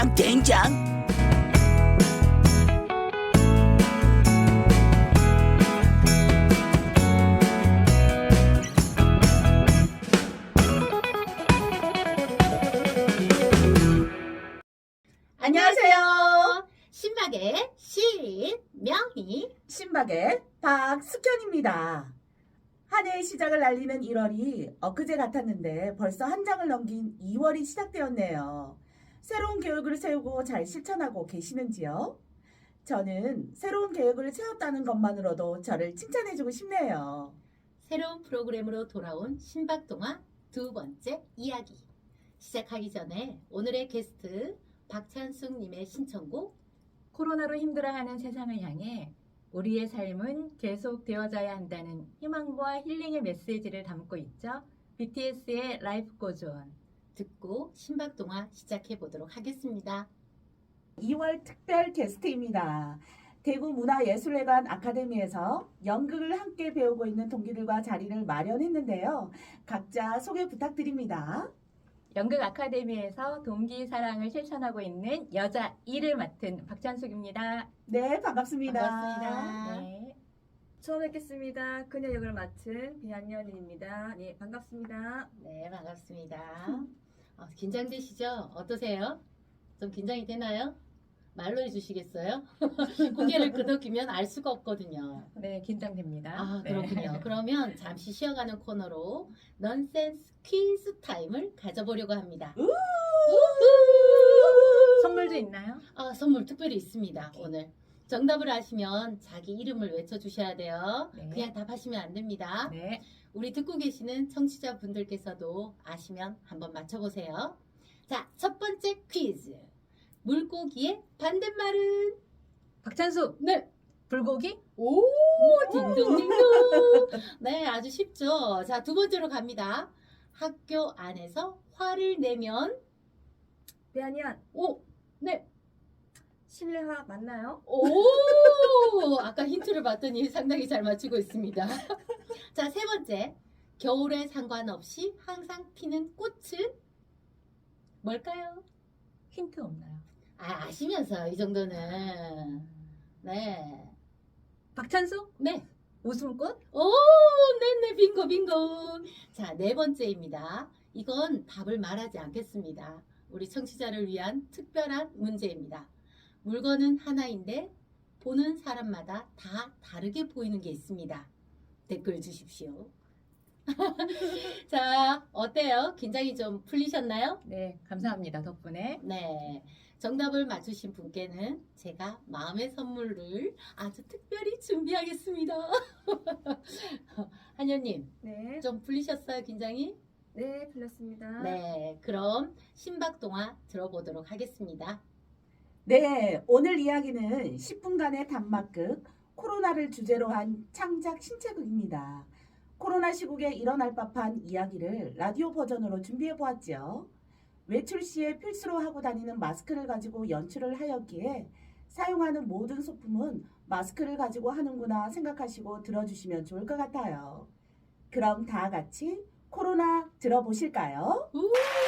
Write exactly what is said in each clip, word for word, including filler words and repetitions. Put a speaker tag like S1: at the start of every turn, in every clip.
S1: 된장 된장.
S2: 안녕하세요. 신박의 신명희,
S3: 신박의 박숙현입니다. 한 해의 시작을 알리는 일월이 엊그제 같았는데 벌써 한 장을 넘긴 이월이 시작되었네요. 새로운 계획을 세우고 잘 실천하고 계시는지요? 저는 새로운 계획을 세웠다는 것만으로도 저를 칭찬해주고 싶네요.
S2: 새로운 프로그램으로 돌아온 신박동화 두 번째 이야기. 시작하기 전에 오늘의 게스트 박찬숙님의 신청곡
S4: 코로나로 힘들어하는 세상을 향해 우리의 삶은 계속되어져야 한다는 희망과 힐링의 메시지를 담고 있죠. 비티에스의 Life Goes On.
S2: 듣고 신박동화 시작해 보도록 하겠습니다.
S3: 이월 특별 게스트입니다. 대구문화예술회관 아카데미에서 연극을 함께 배우고 있는 동기들과 자리를 마련했는데요. 각자 소개 부탁드립니다.
S4: 연극 아카데미에서 동기 사랑을 실천하고 있는 여자 이를 맡은 박찬숙입니다.
S3: 네, 반갑습니다.
S2: 반갑습니다.
S4: 네.
S5: 처음 뵙겠습니다. 그녀 역을 맡은 비한연입니다. 네, 반갑습니다.
S2: 네, 반갑습니다. 어, 긴장되시죠? 어떠세요? 좀 긴장이 되나요? 말로 해주시겠어요? 고개를 끄덕이면 알 수가 없거든요.
S4: 네, 긴장됩니다.
S2: 아,
S4: 네.
S2: 그렇군요. 그러면 잠시 쉬어가는 코너로 넌센스 퀴즈 타임을 가져보려고 합니다.
S3: 우!
S4: 선물도 있나요?
S2: 아, 선물 특별히 있습니다. 오늘 정답을 아시면 자기 이름을 외쳐주셔야 돼요.
S4: 네.
S2: 그냥 답하시면 안 됩니다.
S4: 네.
S2: 우리 듣고 계시는 청취자분들께서도 아시면 한번 맞춰보세요. 자, 첫 번째 퀴즈. 물고기의 반대말은?
S4: 박찬숙.
S2: 네.
S4: 불고기?
S2: 오, 딩동딩동. 네, 아주 쉽죠. 자, 두 번째로 갑니다. 학교 안에서 화를 내면?
S5: 비한연,
S2: 오, 네.
S5: 실내화 맞나요?
S2: 오, 아까 힌트를 봤더니 상당히 잘 맞추고 있습니다. 자, 세 번째. 겨울에 상관없이 항상 피는 꽃은 뭘까요?
S4: 힌트 없나요?
S2: 아, 아시면서 이 정도는. 네.
S4: 박찬숙?
S2: 네.
S4: 웃음꽃?
S2: 오, 네네, 빙고, 빙고. 자, 네 번째입니다. 이건 답을 말하지 않겠습니다. 우리 청취자를 위한 특별한 문제입니다. 물건은 하나인데 보는 사람마다 다 다르게 보이는 게 있습니다. 댓글 주십시오. 자, 어때요? 긴장이 좀 풀리셨나요?
S4: 네, 감사합니다. 덕분에.
S2: 네. 정답을 맞추신 분께는 제가 마음의 선물을 아주 특별히 준비하겠습니다. 한여님,
S5: 네,
S2: 좀 풀리셨어요, 긴장이?
S5: 네, 풀렸습니다.
S2: 네. 그럼 신박동화 들어보도록 하겠습니다.
S3: 네, 오늘 이야기는 십 분간의 단막극 코로나를 주제로 한 창작 신체극입니다. 코로나 시국에 일어날 법한 이야기를 라디오 버전으로 준비해 보았죠. 외출 시에 필수로 하고 다니는 마스크를 가지고 연출을 하였기에 사용하는 모든 소품은 마스크를 가지고 하는구나 생각하시고 들어주시면 좋을 것 같아요. 그럼 다 같이 코로나 들어보실까요?
S2: 우!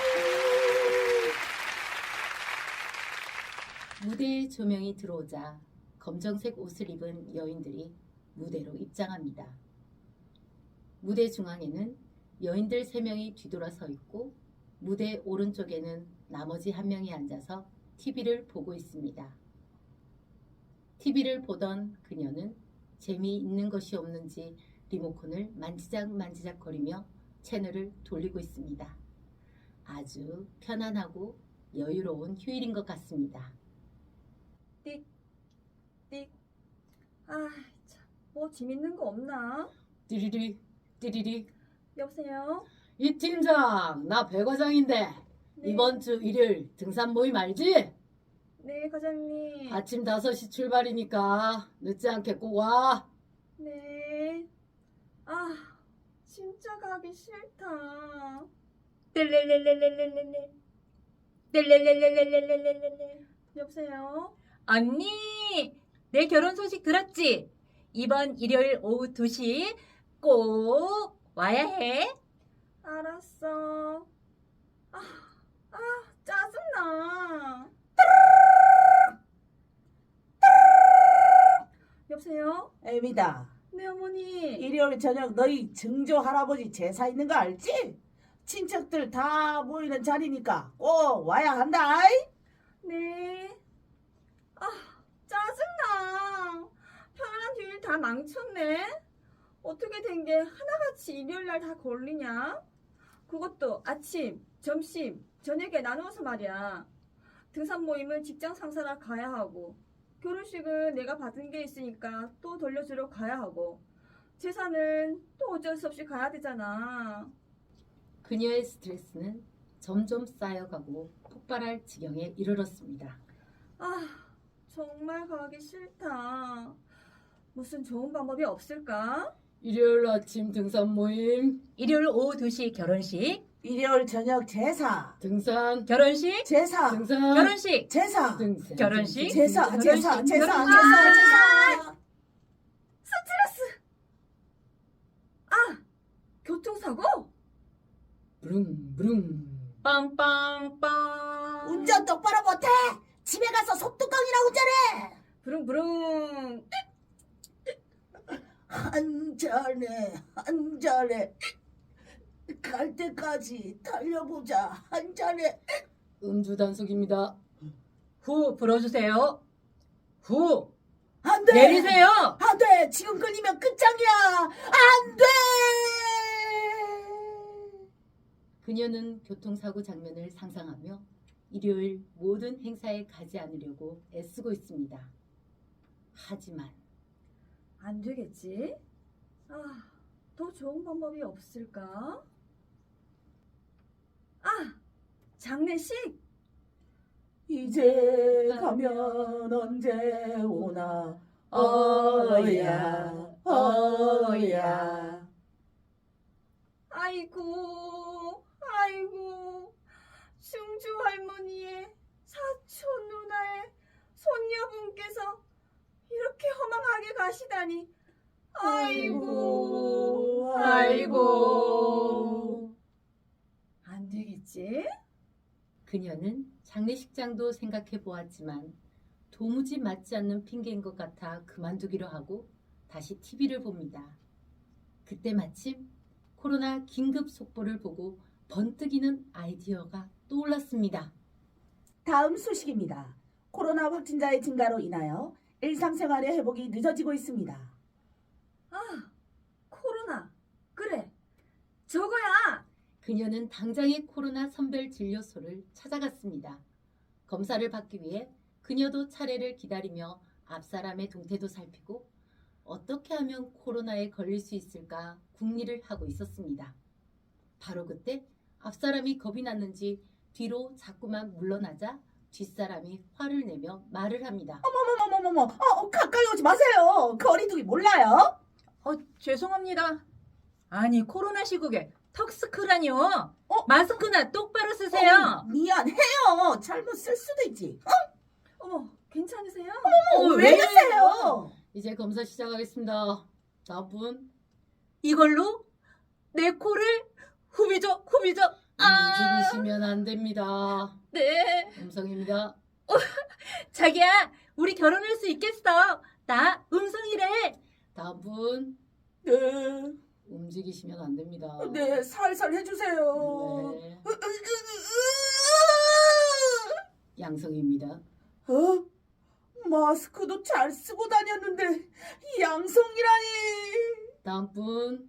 S2: 무대에 조명이 들어오자 검정색 옷을 입은 여인들이 무대로 입장합니다. 무대 중앙에는 여인들 세 명이 뒤돌아 서 있고 무대 오른쪽에는 나머지 한 명이 앉아서 티비를 보고 있습니다. 티비를 보던 그녀는 재미있는 것이 없는지 리모컨을 만지작 만지작 거리며 채널을 돌리고 있습니다. 아주 편안하고 여유로운 휴일인 것 같습니다.
S5: 띡. 아, 참, 뭐 재밌는 거 없나?
S2: 띠리리 띠리리.
S5: 여보세요?
S2: 이 팀장, 나 배 과장인데
S5: 네.
S2: 이번 주 일요일 등산 모임 알지?
S5: 네, 과장님.
S2: 아침 다섯 시 출발이니까 늦지 않게 꼭 와.
S5: 네. 아, 진짜 가기 싫다.
S4: 뜰렐렐렐렐렐렐렐. 뜰렐렐렐렐렐렐렐.
S5: 여보세요?
S4: 언니, 내 결혼 소식 들었지? 이번 일요일 오후 두 시 꼭 와야 해.
S5: 알았어. 아, 아, 짜증나. 여보세요?
S3: 애미다.
S5: 네, 어머니.
S3: 일요일 저녁 너희 증조 할아버지 제사 있는 거 알지? 친척들 다 모이는 자리니까 꼭 와야 한다.
S5: 네. 아, 짜증나. 편안한 휴일 다 망쳤네. 어떻게 된 게 하나같이 일요일 날 다 걸리냐? 그것도 아침, 점심, 저녁에 나누어서 말이야. 등산 모임은 직장 상사라 가야 하고, 결혼식은 내가 받은 게 있으니까 또 돌려주러 가야 하고, 제사는 또 어쩔 수 없이 가야 되잖아.
S2: 그녀의 스트레스는 점점 쌓여가고 폭발할 지경에 이르렀습니다.
S5: 아, 정말 가기 싫다. 무슨 좋은 방법이 없을까?
S2: 일요일 아침 등산 모임,
S4: 일요일 오후 두 시 결혼식,
S3: 일요일 저녁 제사.
S2: 등산,
S4: 결혼식,
S3: 제사.
S2: 등산,
S4: 결혼식,
S3: 제사.
S2: 등산,
S4: 결혼식,
S3: 제사.
S4: 결혼식,
S3: 제사. 제사.
S4: 결혼식.
S3: 제사. 제사.
S5: 스트레스! 아, 교통사고?
S2: 브릉 브릉.
S4: 빵빵빵.
S3: 운전 똑바로 못해. 집에 가서 속뚜껑이나 운전해.
S5: 부릉부릉.
S3: 한 잔에 한 잔에 갈 때까지 달려보자. 한 잔에.
S2: 음주 단속입니다.
S4: 후 불어주세요. 후
S3: 안 돼.
S4: 내리세요.
S3: 안 돼. 지금 걸리면 끝장이야. 안 돼.
S2: 그녀는 교통사고 장면을 상상하며 일요일 모든 행사에 가지 않으려고 애쓰고 있습니다. 하지만
S5: 안 되겠지? 아, 더 좋은 방법이 없을까? 아, 장례식?
S3: 이제 가면 언제 오나 어야 어야.
S5: 아이고, 아이고, 충주 할머니의 사촌 누나의 손녀분께서 이렇게 허망하게 가시다니. 아이고, 아이고. 안 되겠지?
S2: 그녀는 장례식장도 생각해 보았지만 도무지 맞지 않는 핑계인 것 같아 그만두기로 하고 다시 티비를 봅니다. 그때 마침 코로나 긴급 속보를 보고 번뜩이는 아이디어가 떠올랐습니다.
S3: 다음 소식입니다. 코로나 확진자의 증가로 인하여 일상생활의 회복이 늦어지고 있습니다.
S5: 아, 코로나. 그래, 저거야.
S2: 그녀는 당장의 코로나 선별 진료소를 찾아갔습니다. 검사를 받기 위해 그녀도 차례를 기다리며 앞사람의 동태도 살피고 어떻게 하면 코로나에 걸릴 수 있을까 궁리를 하고 있었습니다. 바로 그때 앞사람이 겁이 났는지 뒤로 자꾸만 물러나자 뒷사람이 화를 내며 말을 합니다.
S3: 어머머머머머머. 어, 가까이 오지 마세요. 거리두기 몰라요?
S4: 어 죄송합니다. 아니 코로나 시국에 턱스크라니요.
S3: 어?
S4: 마스크나 똑바로 쓰세요.
S3: 어, 미안해요. 잘못 쓸 수도 있지.
S5: 어머, 괜찮으세요?
S3: 어,
S4: 어,
S3: 왜
S4: 왜
S3: 그러세요?
S2: 이제 검사 시작하겠습니다. 다음 분.
S4: 이걸로 내 코를 후비적 후비적. 아,
S2: 움직이시면 안 됩니다.
S4: 네.
S2: 음성입니다.
S4: 자기야, 우리 결혼할 수 있겠어. 나 음성이래.
S2: 다음 분.
S3: 네.
S2: 움직이시면 안 됩니다.
S3: 네, 살살 해주세요.
S2: 네. 양성입니다.
S3: 어? 마스크도 잘 쓰고 다녔는데 양성이라니.
S2: 다음 분.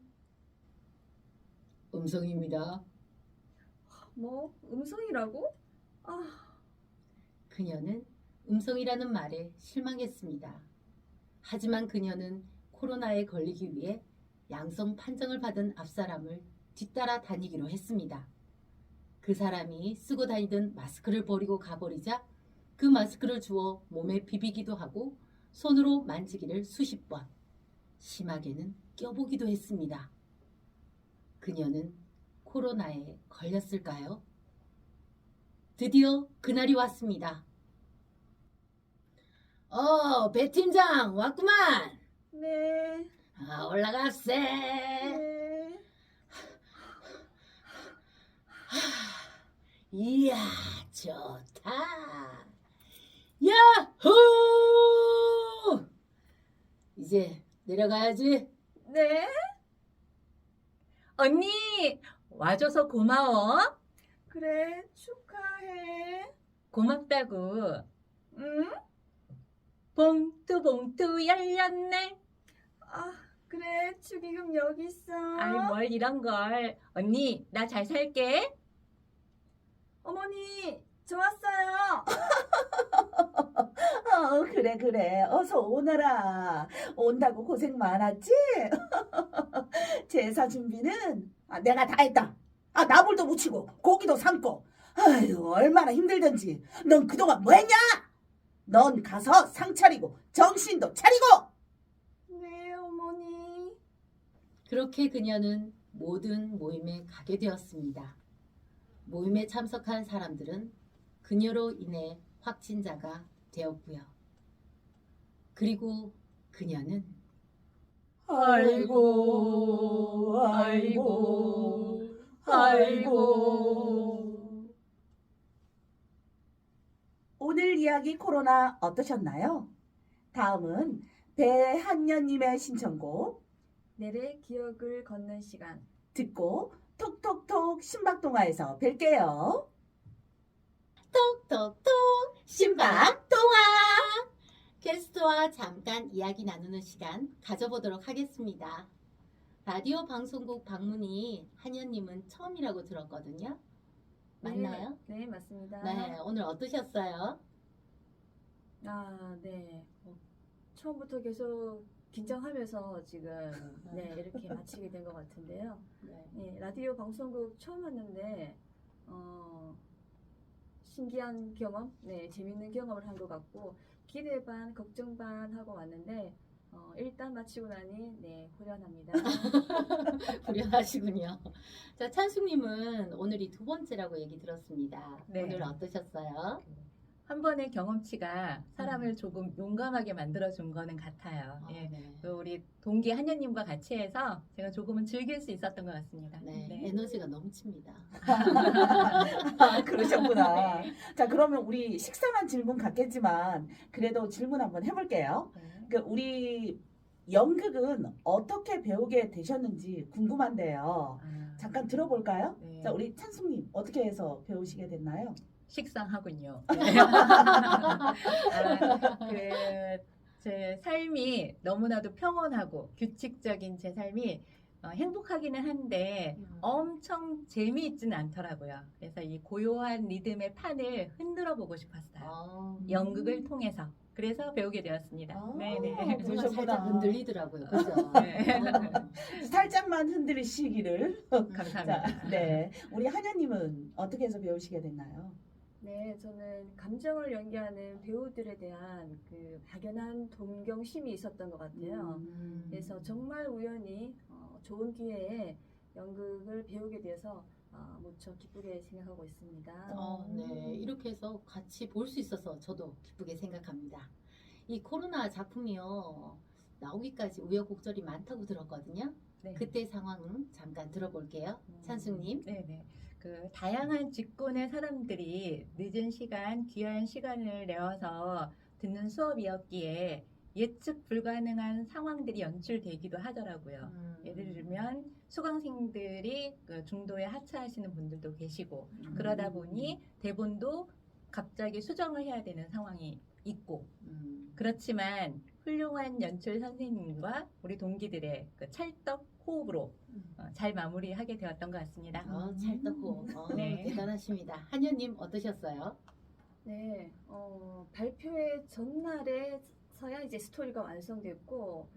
S2: 음성입니다.
S5: 뭐, 음성이라고? 아,
S2: 그녀는 음성이라는 말에 실망했습니다. 하지만 그녀는 코로나에 걸리기 위해 양성 판정을 받은 앞사람을 뒤따라 다니기로 했습니다. 그 사람이 쓰고 다니던 마스크를 버리고 가버리자 그 마스크를 주워 몸에 비비기도 하고 손으로 만지기를 수십 번, 심하게는 껴보기도 했습니다. 그녀는 코로나에 걸렸을까요? 드디어 그날이 왔습니다. 어, 배 팀장 왔구만.
S5: 네,
S2: 아, 올라갔세.
S5: 네.
S2: 이야, 좋다. 야호! 이제 내려가야지.
S5: 네?
S4: 언니, 와줘서 고마워.
S5: 그래, 축하해.
S4: 고맙다고.
S5: 응?
S4: 봉투 봉투 열렸네.
S5: 아, 그래, 축의금 여기 있어.
S4: 아이, 뭘 이런 걸. 언니, 나 잘 살게.
S5: 어머니, 저 왔어요.
S3: 어, 그래, 그래. 어서 오너라. 온다고 고생 많았지? 제사 준비는 아, 내가 다 했다. 아, 나물도 무치고 고기도 삶고. 아유, 얼마나 힘들던지. 넌 그동안 뭐 했냐? 넌 가서 상 차리고 정신도 차리고.
S5: 네, 어머니.
S2: 그렇게 그녀는 모든 모임에 가게 되었습니다. 모임에 참석한 사람들은 그녀로 인해 확진자가 되었고요. 그리고 그녀는
S3: 아이고, 아이고, 아이고. 오늘 이야기 코로나 어떠셨나요? 다음은 배한년님의 신청곡
S5: 내래 기억을 걷는 시간.
S3: 듣고 톡톡톡 신박동화에서 뵐게요.
S2: 톡톡톡 신박동화 게스트와 잠깐 이야기 나누는 시간 가져보도록 하겠습니다. 라디오 방송국 방문이 한현님은 처음이라고 들었거든요. 맞나요?
S5: 네, 네, 맞습니다.
S2: 네, 오늘 어떠셨어요?
S5: 아, 네. 뭐, 처음부터 계속 긴장하면서 지금 네, 이렇게 마치게 된 것 같은데요.
S2: 네.
S5: 네, 라디오 방송국 처음 왔는데 어, 신기한 경험, 네, 재밌는 경험을 한 것 같고 기대 반, 걱정 반 하고 왔는데 어, 일단 마치고 나니 네, 후련합니다.
S2: 불편하시군요. 자, 찬숙님은 오늘이 두 번째라고 얘기 들었습니다.
S4: 네.
S2: 오늘 어떠셨어요?
S4: 한 번의 경험치가 사람을 조금 용감하게 만들어준 거는 같아요.
S2: 아,
S4: 예.
S2: 네.
S4: 또 우리 동기 한현님과 같이 해서 제가 조금은 즐길 수 있었던 것 같습니다.
S2: 네,
S4: 네.
S2: 에너지가 넘칩니다.
S3: 아, 그러셨구나. 자, 그러면 우리 식상한 질문 같겠지만 그래도 질문 한번 해볼게요.
S4: 네.
S3: 그 우리 연극은 어떻게 배우게 되셨는지 궁금한데요.
S4: 아,
S3: 잠깐 들어볼까요?
S4: 네.
S3: 자, 우리 찬숙님 어떻게 해서 배우시게 됐나요?
S4: 식상하군요. 네. 아, 그, 제 삶이 너무나도 평온하고 규칙적인 제 삶이 어, 행복하기는 한데 엄청 재미있지는 않더라고요. 그래서 이 고요한 리듬의 판을 흔들어 보고 싶었어요.
S2: 아,
S4: 연극을 통해서. 그래서 배우게 되었습니다.
S3: 아,
S4: 네네.
S2: 정말
S3: 그러셨구나.
S2: 살짝 흔들리더라고요. 그죠?
S4: 네.
S2: 아,
S3: 살짝만 흔들리시기를.
S4: 감사합니다.
S3: 자, 네. 우리 한현님은 어떻게 해서 배우시게 됐나요?
S5: 네, 저는 감정을 연기하는 배우들에 대한 그 막연한 동경심이 있었던 것 같아요.
S2: 음.
S5: 그래서 정말 우연히 어, 좋은 기회에 연극을 배우게 돼서 어, 무척 기쁘게 생각하고 있습니다.
S2: 어, 네. 이렇게 해서 같이 볼 수 있어서 저도 기쁘게 생각합니다. 이 코로나 작품이요. 나오기까지 우여곡절이 많다고 들었거든요.
S4: 네.
S2: 그때 상황 잠깐 들어볼게요.
S4: 음,
S2: 찬숙님.
S4: 네네. 그 다양한 직군의 사람들이 늦은 시간, 귀한 시간을 내어서 듣는 수업이었기에 예측 불가능한 상황들이 연출되기도 하더라고요.
S2: 음.
S4: 예를 들면 수강생들이 그 중도에 하차하시는 분들도 계시고
S2: 음.
S4: 그러다 보니 대본도 갑자기 수정을 해야 되는 상황이 있고
S2: 음.
S4: 그렇지만 훌륭한 연출 선생님과 우리 동기들의 그 찰떡 호흡으로 어, 잘 마무리하게 되었던 것 같습니다.
S2: 어, 찰떡고 어,
S4: 네.
S2: 대단하십니다. 한현님 어떠셨어요?
S5: 네, 어, 발표회 전날에서야 이제 스토리가 완성됐고,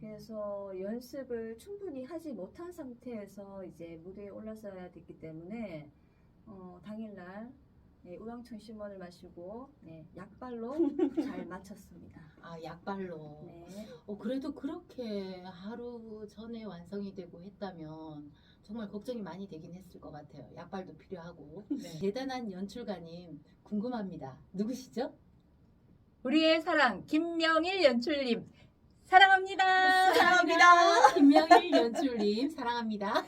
S5: 그래서 연습을 충분히 하지 못한 상태에서 이제 무대에 올라서야 됐기 때문에 어, 당일날 네, 우황청심원을 마시고 네, 약발로 잘 마쳤습니다.
S2: 아, 약발로.
S5: 네.
S2: 어, 그래도 그렇게 하루 전에 완성이 되고 했다면 정말 걱정이 많이 되긴 했을 것 같아요. 약발도 필요하고.
S4: 네.
S2: 대단한 연출가님 궁금합니다. 누구시죠?
S4: 우리의 사랑 김명일 연출님 사랑합니다.
S3: 사랑합니다.
S2: 김명일 연출님 사랑합니다.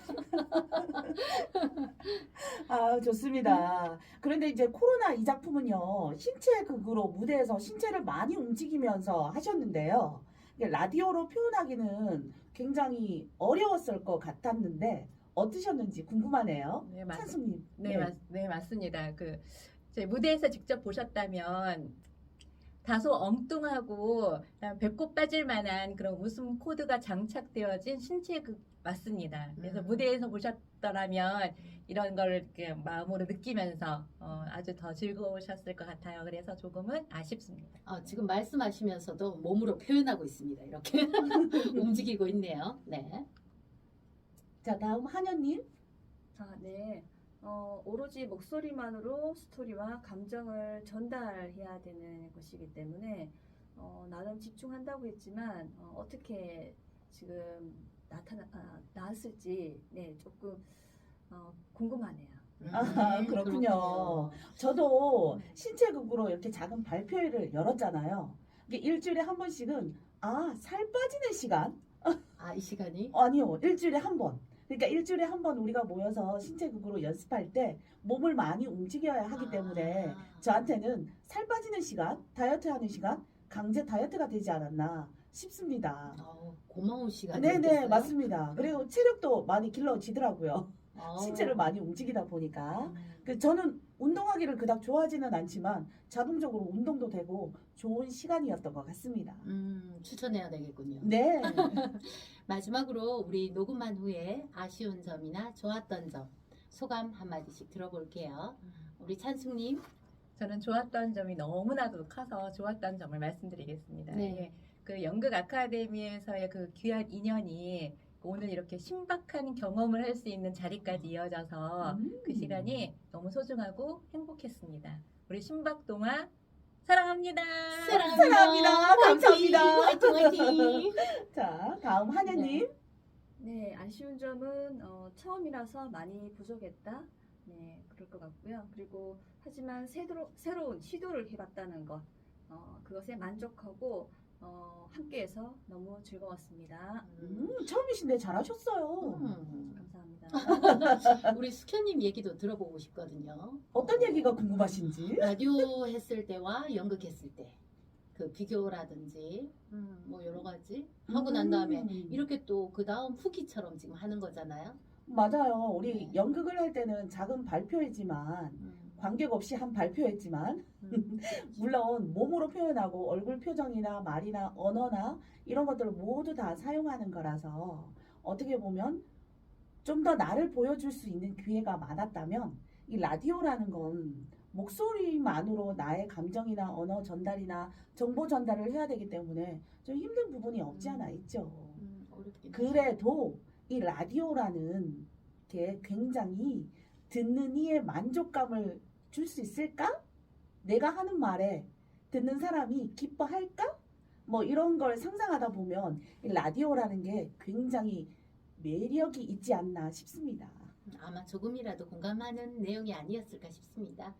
S3: 아, 좋습니다. 그런데 이제 코로나 이 작품은요, 신체 극으로 무대에서 신체를 많이 움직이면서 하셨는데요. 이게 라디오로 표현하기는 굉장히 어려웠을 것 같았는데 어떠셨는지 궁금하네요.
S4: 네, 맞,
S3: 찬수님.
S4: 네, 맞, 네, 맞습니다. 그, 제 무대에서 직접 보셨다면 다소 엉뚱하고 배꼽 빠질 만한 그런 웃음 코드가 장착되어진 신체극 맞습니다. 그래서
S2: 음.
S4: 무대에서 보셨더라면 이런 걸 이렇게 마음으로 느끼면서 어, 아주 더 즐거우셨을 것 같아요. 그래서 조금은 아쉽습니다.
S2: 어, 지금 말씀하시면서도 몸으로 표현하고 있습니다. 이렇게 움직이고 있네요. 네.
S3: 자, 다음 한현님.
S5: 아, 네. 어, 오로지 목소리만으로 스토리와 감정을 전달해야 되는 것이기 때문에 어, 나름 집중한다고 했지만 어, 어떻게 지금 나타나 아, 나왔을지 네, 조금 어, 궁금하네요.
S3: 아,
S2: 음,
S3: 그렇군요. 저도 신체극으로 이렇게 작은 발표회를 열었잖아요. 이게 일주일에 한 번씩은 아, 살 빠지는 시간?
S2: 아, 이 시간이?
S3: 아니요, 일주일에 한 번. 그러니까 일주일에 한 번 우리가 모여서 신체극으로 연습할 때 몸을 많이 움직여야 하기 때문에
S2: 아.
S3: 저한테는 살 빠지는 시간, 다이어트 하는 시간, 강제 다이어트가 되지 않았나 싶습니다.
S2: 어, 고마운 시간이
S3: 네네, 맞습니다. 그리고 체력도 많이 길러지더라고요.
S2: 어.
S3: 신체를 많이 움직이다 보니까.
S2: 음.
S3: 그 저는 운동하기를 그닥 좋아하지는 않지만 자동적으로 운동도 되고 좋은 시간이었던 것 같습니다.
S2: 음, 추천해야 되겠군요.
S3: 네.
S2: 마지막으로 우리 녹음한 후에 아쉬운 점이나 좋았던 점 소감 한마디씩 들어볼게요. 우리 찬숙님.
S4: 저는 좋았던 점이 너무나도 커서 좋았던 점을 말씀드리겠습니다.
S2: 네.
S4: 예, 그 연극 아카데미에서의 그 귀한 인연이 오늘 이렇게 신박한 경험을 할 수 있는 자리까지 이어져서
S3: 음.
S4: 그 시간이 너무 소중하고 행복했습니다. 우리 신박동화 사랑합니다.
S3: 사랑합니다. 감사합니다.
S2: 화이팅, 화이팅.
S3: 자, 다음 한혜님.
S5: 네, 아쉬운 점은 어, 처음이라서 많이 부족했다. 네, 그럴 것 같고요. 그리고 하지만 새로, 새로운 시도를 해봤다는 것, 어, 그것에 만족하고 어, 함께해서 너무 즐거웠습니다.
S3: 음, 처음이신데 잘하셨어요.
S2: 음.
S5: 감사합니다.
S2: 우리 숙현님 얘기도 들어보고 싶거든요.
S3: 어떤 얘기가 궁금하신지?
S2: 라디오 했을 때와 연극했을 때 그 비교라든지 음, 뭐 여러 가지 하고 난 다음에
S3: 음.
S2: 이렇게 또 그 다음 후기처럼 지금 하는 거잖아요.
S3: 맞아요. 우리
S2: 네.
S3: 연극을 할 때는 작은 발표회지만
S2: 음.
S3: 관객 없이 한 발표했지만
S2: 음.
S3: 물론 몸으로 표현하고 얼굴 표정이나 말이나 언어나 이런 것들을 모두 다 사용하는 거라서 어떻게 보면 좀 더 나를 보여줄 수 있는 기회가 많았다면 이 라디오라는 건 목소리만으로 나의 감정이나 언어 전달이나 정보 전달을 해야 되기 때문에 좀 힘든 부분이 없지 않아 있죠.
S2: 음, 어렵긴
S3: 그래도 이 라디오라는 게 굉장히 듣는 이의 만족감을 줄 수 있을까? 내가 하는 말에 듣는 사람이 기뻐할까? 뭐 이런 걸 상상하다 보면 이 라디오라는 게 굉장히 매력이 있지 않나 싶습니다.
S2: 아마 조금이라도 공감하는 내용이 아니었을까 싶습니다.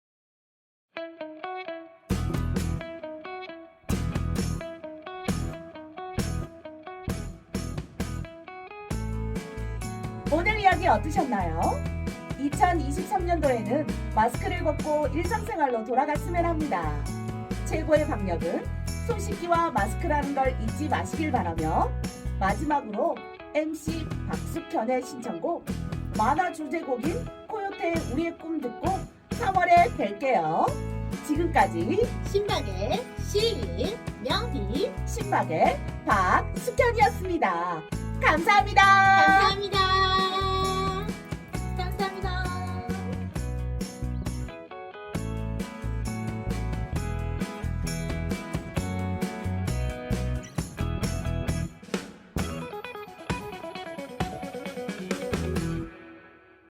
S3: 오늘 이야기 어떠셨나요? 이천이십삼 년도에는 마스크를 벗고 일상생활로 돌아갔으면 합니다. 최고의 방역은 손 씻기와 마스크라는 걸 잊지 마시길 바라며 마지막으로 엠씨 박숙현의 신청곡 만화 주제곡인 코요태의 우리의 꿈 듣고 삼월에 뵐게요. 지금까지
S2: 신박의 시, 명희
S3: 신박의 박숙현이었습니다. 감사합니다.
S2: 감사합니다.